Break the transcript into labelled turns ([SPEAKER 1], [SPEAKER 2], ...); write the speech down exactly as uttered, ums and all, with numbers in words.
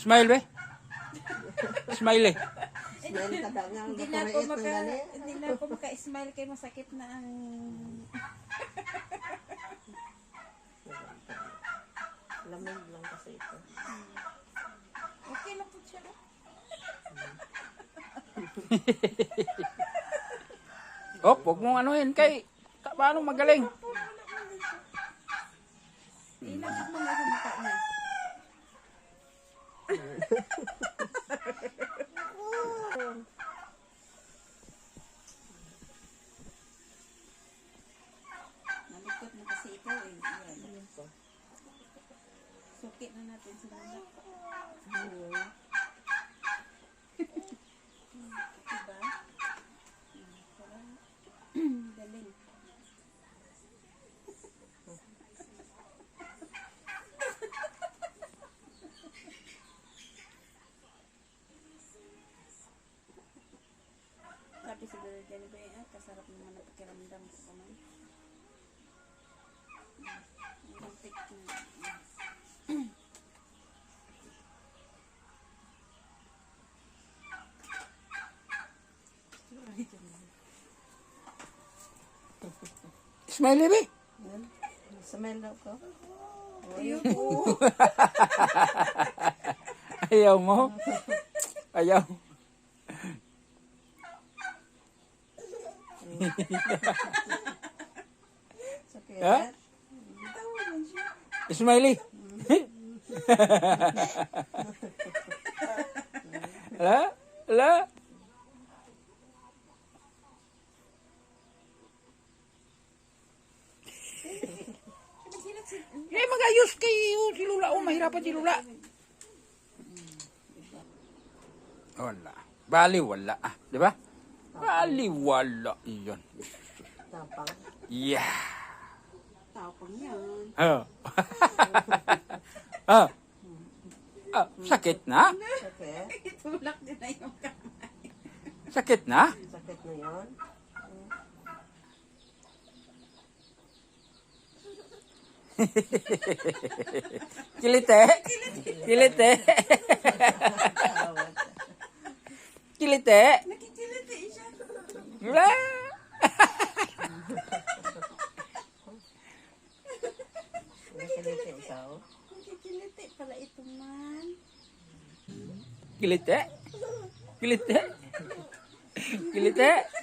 [SPEAKER 1] Smile be. Smile eh.
[SPEAKER 2] Smile ka daw nga.
[SPEAKER 3] Hindi na ako maka, hindi na ako maka-smile kay masakit na ang...
[SPEAKER 2] Lamig lang kasi ito.
[SPEAKER 3] Okay lang po siya.
[SPEAKER 1] Oh, huwag mong anuhin kay paano magaling.
[SPEAKER 3] Ilapit mo nga sa mukha niya. Nalikot mo kasi ikaw eh. Yan. Sukit na natin sa mga. Diba? Galing. Sabi siguro dyan ba eh, kasarap naman na pakiramdam ko kamay. Ang tik na.
[SPEAKER 1] Smile be.
[SPEAKER 2] Yan. Smile daw ko.
[SPEAKER 3] Ayoko.
[SPEAKER 1] Ayaw mo. Ayaw.
[SPEAKER 2] Sakit.
[SPEAKER 1] Ha?
[SPEAKER 3] Tawagan siya.
[SPEAKER 1] Smiley. Ala? Ala? Eh, mag-ayos kayo si Lula. Oh, mahirapan si Lula. Wala. Bali, wala. Ah, di ba? Bali, wala. Iyon.
[SPEAKER 2] Tapang.
[SPEAKER 1] Yeah.
[SPEAKER 3] Tapang yan.
[SPEAKER 1] Oh. Ah. Ah, sakit na?
[SPEAKER 2] Sakit.
[SPEAKER 3] Itulak din na yung kamay.
[SPEAKER 1] Sakit na?
[SPEAKER 2] Sakit na yun.
[SPEAKER 1] Kilite. Kilite. Kilite.
[SPEAKER 3] Nakikiliti siya.
[SPEAKER 1] Wala.
[SPEAKER 2] Nakiliti ikaw.
[SPEAKER 3] Nakikiliti pala ito man.
[SPEAKER 1] Kilite. Kilite. Kilite.